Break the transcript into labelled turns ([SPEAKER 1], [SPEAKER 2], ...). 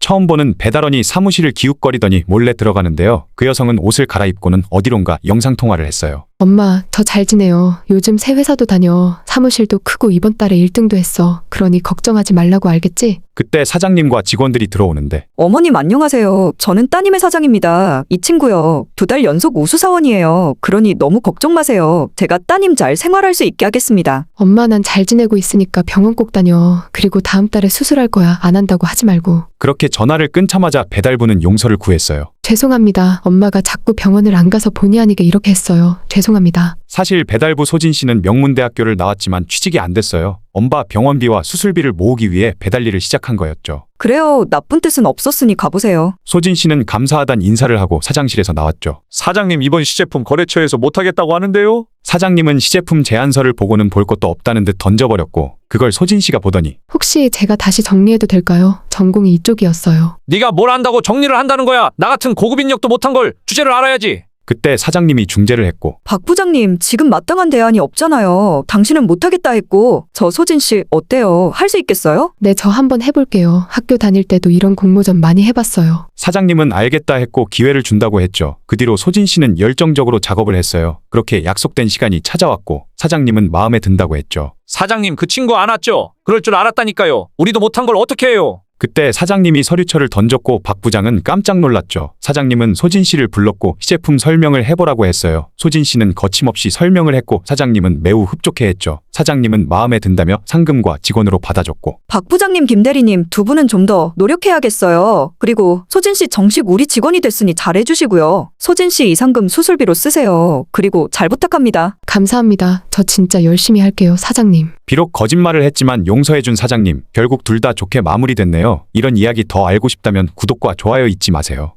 [SPEAKER 1] 처음 보는 배달원이 사무실을 기웃거리더니 몰래 들어가는데요. 그 여성은 옷을 갈아입고는 어디론가 영상통화를 했어요.
[SPEAKER 2] 엄마, 저 잘 지내요. 요즘 새 회사도 다녀. 사무실도 크고 이번 달에 1등도 했어. 그러니 걱정하지 말라고 알겠지?
[SPEAKER 1] 그때 사장님과 직원들이 들어오는데
[SPEAKER 3] 어머님 안녕하세요. 저는 따님의 사장입니다. 이 친구요. 2달 연속 우수사원이에요. 그러니 너무 걱정 마세요. 제가 따님 잘 생활할 수 있게 하겠습니다.
[SPEAKER 2] 엄마, 난 잘 지내고 있으니까 병원 꼭 다녀. 그리고 다음 달에 수술할 거야. 안 한다고 하지 말고.
[SPEAKER 1] 그렇게 전화를 끊자마자 배달부는 용서를 구했어요.
[SPEAKER 2] 죄송합니다. 엄마가 자꾸 병원을 안 가서 본의 아니게 이렇게 했어요. 죄송합니다.
[SPEAKER 1] 사실 배달부 소진 씨는 명문대학교를 나왔지만 취직이 안 됐어요. 엄마 병원비와 수술비를 모으기 위해 배달 일을 시작한 거였죠.
[SPEAKER 3] 그래요. 나쁜 뜻은 없었으니 가보세요.
[SPEAKER 1] 소진 씨는 감사하단 인사를 하고 사장실에서 나왔죠.
[SPEAKER 4] 사장님 이번 시제품 거래처에서 못하겠다고 하는데요?
[SPEAKER 1] 사장님은 시제품 제안서를 보고는 볼 것도 없다는 듯 던져버렸고 그걸 소진 씨가 보더니
[SPEAKER 2] 혹시 제가 다시 정리해도 될까요? 전공이 이쪽이었어요.
[SPEAKER 4] 네가 뭘 안다고 정리를 한다는 거야. 나 같은 고급 인력도 못한 걸 주제를 알아야지.
[SPEAKER 1] 그때 사장님이 중재를 했고
[SPEAKER 3] 박 부장님, 지금 마땅한 대안이 없잖아요. 당신은 못하겠다 했고. 저 소진 씨 어때요? 할 수 있겠어요?
[SPEAKER 2] 네, 저 한번 해볼게요. 학교 다닐 때도 이런 공모전 많이 해봤어요.
[SPEAKER 1] 사장님은 알겠다 했고 기회를 준다고 했죠. 그 뒤로 소진 씨는 열정적으로 작업을 했어요. 그렇게 약속된 시간이 찾아왔고 사장님은 마음에 든다고 했죠.
[SPEAKER 4] 사장님 그 친구 안 왔죠? 그럴 줄 알았다니까요. 우리도 못한 걸 어떻게 해요?
[SPEAKER 1] 그때 사장님이 서류처를 던졌고 박 부장은 깜짝 놀랐죠. 사장님은 소진 씨를 불렀고 시제품 설명을 해보라고 했어요. 소진 씨는 거침없이 설명을 했고 사장님은 매우 흡족해했죠. 사장님은 마음에 든다며 상금과 직원으로 받아줬고
[SPEAKER 3] 박 부장님, 김 대리님 두 분은 좀 더 노력해야겠어요. 그리고 소진 씨 정식 우리 직원이 됐으니 잘해주시고요. 소진 씨 이 상금 수술비로 쓰세요. 그리고 잘 부탁합니다.
[SPEAKER 2] 감사합니다. 저 진짜 열심히 할게요, 사장님.
[SPEAKER 1] 비록 거짓말을 했지만 용서해준 사장님, 결국 둘 다 좋게 마무리됐네요. 이런 이야기 더 알고 싶다면 구독과 좋아요 잊지 마세요.